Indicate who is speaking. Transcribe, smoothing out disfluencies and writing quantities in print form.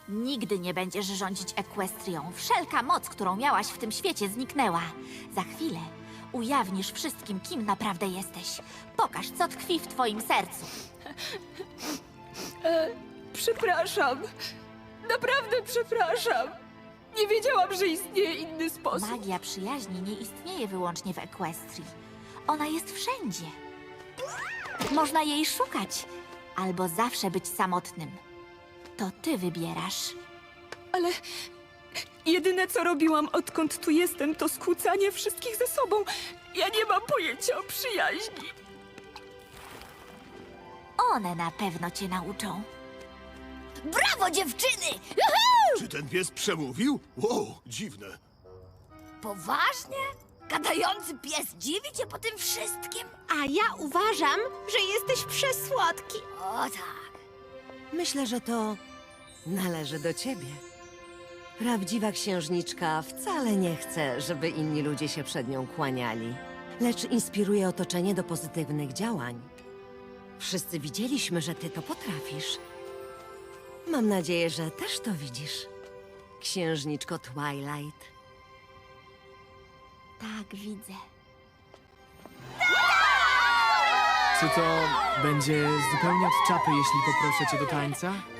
Speaker 1: Nigdy nie będziesz rządzić Ekwestrią. Wszelka moc, którą miałaś w tym świecie, zniknęła. Za chwilę ujawnisz wszystkim, kim naprawdę jesteś. Pokaż, co tkwi w twoim sercu.
Speaker 2: Przepraszam. Naprawdę przepraszam. Nie wiedziałam, że istnieje inny sposób.
Speaker 1: Magia przyjaźni nie istnieje wyłącznie w Equestrii. Ona jest wszędzie. Można jej szukać, albo zawsze być samotnym. To ty wybierasz.
Speaker 2: Ale jedyne, co robiłam, odkąd tu jestem, to skłócanie wszystkich ze sobą. Ja nie mam pojęcia o przyjaźni.
Speaker 1: One na pewno cię nauczą.
Speaker 3: Brawo, dziewczyny! Juhu!
Speaker 4: Czy ten pies przemówił? Wow, dziwne.
Speaker 3: Poważnie? Gadający pies dziwi cię po tym wszystkim?
Speaker 5: A ja uważam, że jesteś przesłodki.
Speaker 3: O tak.
Speaker 6: Myślę, że to należy do ciebie. Prawdziwa księżniczka wcale nie chce, żeby inni ludzie się przed nią kłaniali, lecz inspiruje otoczenie do pozytywnych działań. Wszyscy widzieliśmy, że ty to potrafisz. Mam nadzieję, że też to widzisz, księżniczko Twilight.
Speaker 1: Tak, widzę.
Speaker 7: Czy to będzie zupełnie od czapy, jeśli poproszę cię do tańca?